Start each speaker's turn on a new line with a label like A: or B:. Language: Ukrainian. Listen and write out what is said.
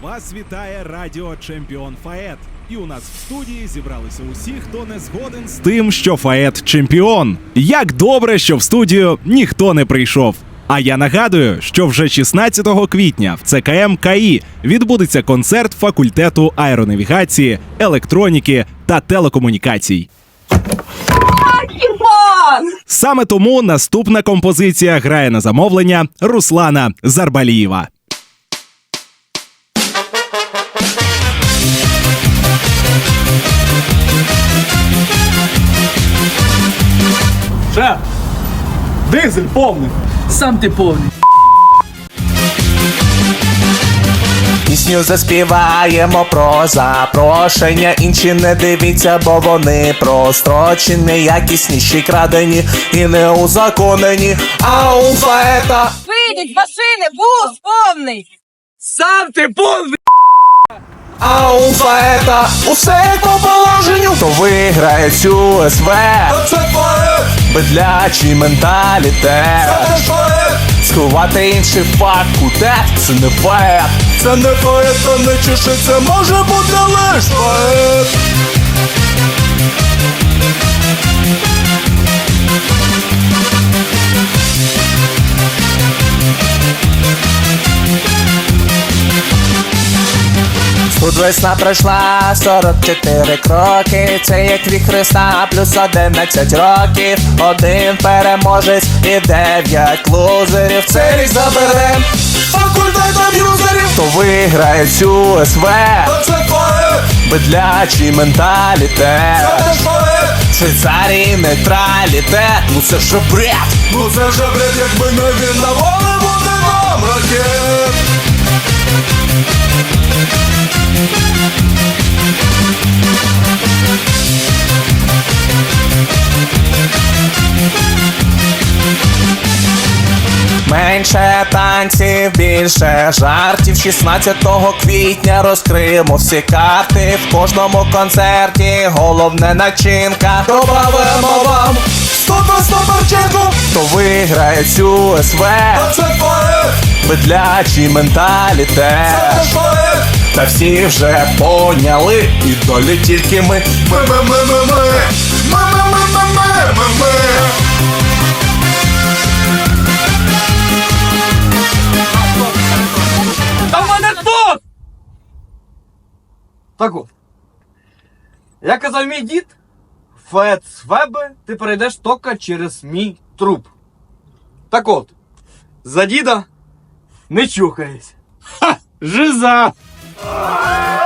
A: Вас вітає Радіо Чемпіон ФАЕТ. І у нас в студії зібралися усі, хто не згоден з тим, що ФАЕТ чемпіон. Як добре, що в студію ніхто не прийшов. А я нагадую, що вже 16 квітня в ЦКМ КАІ відбудеться концерт факультету аеронавігації, електроніки та телекомунікацій. Саме тому наступна композиція грає на замовлення Руслана Зарбалієва.
B: Шеф, дизель повний.
C: Сам ти повний.
D: Пісню заспіваємо про запрошення. Інші не дивіться, бо вони прострочені, якісніші, крадені і не узаконені. А у ФАЕТа
E: Вийдіть, машини, бус повний!
C: Сам ти повний.
D: А у ФАЕТа усе як по положенню. То виграє цю СВ. Це ФАЕТ. Бедлячий менталітет. Це ФАЕТ. Сховати інший факультет. Це не ФАЕТ. Це не ФАЕТ, то не чеши, це може бути лиш ФАЕТ. Тут весна пройшла 44 кроки. Це як вік Христа плюс 11 років. Один переможець і 9 лузерів. Цей рік заберем факультетом юзерів. Хто виграє цю СВ? Це ФАЕТ. Бедлячий менталітет. Це ФАЕТ. Швейцарії нейтралітет. Ну це ж бред. Ну це ж бред, якби не він на волі буде нам ракет. Менше танців, більше жартів. 16 квітня розкриємо всі карти. В кожному концерті головне начинка. Добавимо вам 100 парченку. Хто виграє цю СВ? Це ФАЕТ. Бедлячий менталітет. Це ФАЕТ. Та всі вже поняли, і долі тільки ми.
C: Та в мене тут!
B: Так от. Як казав мій дід, ФАЕТ з ФЕБи ти перейдеш тільки через мій труп. Так от, за діда не чухайся.
C: Жиза!